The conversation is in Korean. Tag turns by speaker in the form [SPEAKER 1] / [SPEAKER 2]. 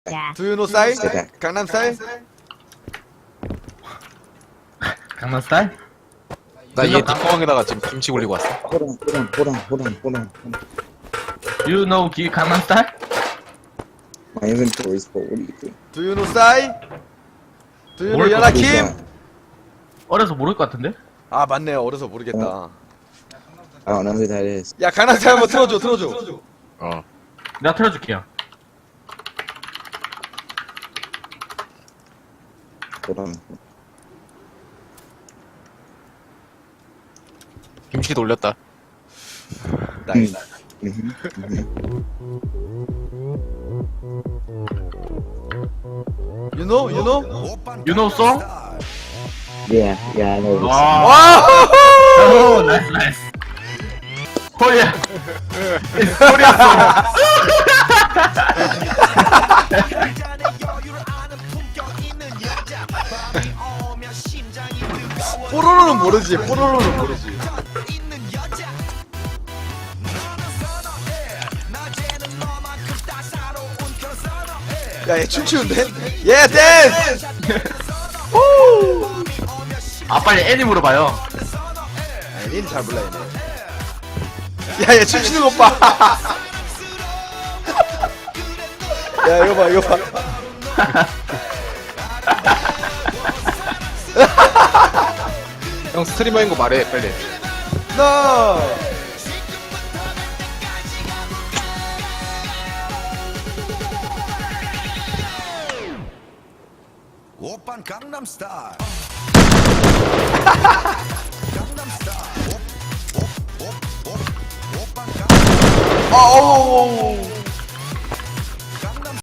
[SPEAKER 1] Do you know style? 강남 style?
[SPEAKER 2] 강남 스타일?
[SPEAKER 3] 나 얘 뒷구멍에다가 지금 김치 올리고 왔어.
[SPEAKER 4] Hold on.
[SPEAKER 2] You know 기 강남 스타일?
[SPEAKER 4] My inventory is full. What do you think?
[SPEAKER 1] Do you know style? Do you know
[SPEAKER 2] 뭘
[SPEAKER 1] 연하
[SPEAKER 4] Who's
[SPEAKER 1] 김?
[SPEAKER 4] that?
[SPEAKER 2] 어려서 모를 것 같은데?
[SPEAKER 1] 아 맞네요. 어려서 모르겠다.
[SPEAKER 4] I don't know who that is.
[SPEAKER 1] 야 강남 style 한번 틀어줘.
[SPEAKER 3] 어.
[SPEAKER 2] 내가 틀어줄게요.
[SPEAKER 4] Hold on.
[SPEAKER 3] 김치도 올렸다.
[SPEAKER 1] 나이스. You know?
[SPEAKER 2] You know song?
[SPEAKER 4] Yeah, I know this.
[SPEAKER 2] 와.
[SPEAKER 1] 와!
[SPEAKER 2] 오, 나이스. 코리아. 코리아 송.
[SPEAKER 1] 뽀로로는 모르지. 야, 얘 춤추는데? 예, 댄스!
[SPEAKER 2] 아 빨리 애니 물어봐요.
[SPEAKER 1] 아, 얘는 잘 몰라, 얘네. 야, 얘 춤추는 것 봐! 야, 이거 봐.
[SPEAKER 3] 형 스트리머인 거 말해 빨리.
[SPEAKER 1] No!
[SPEAKER 5] 오빤 강남 스타일.
[SPEAKER 1] 어우!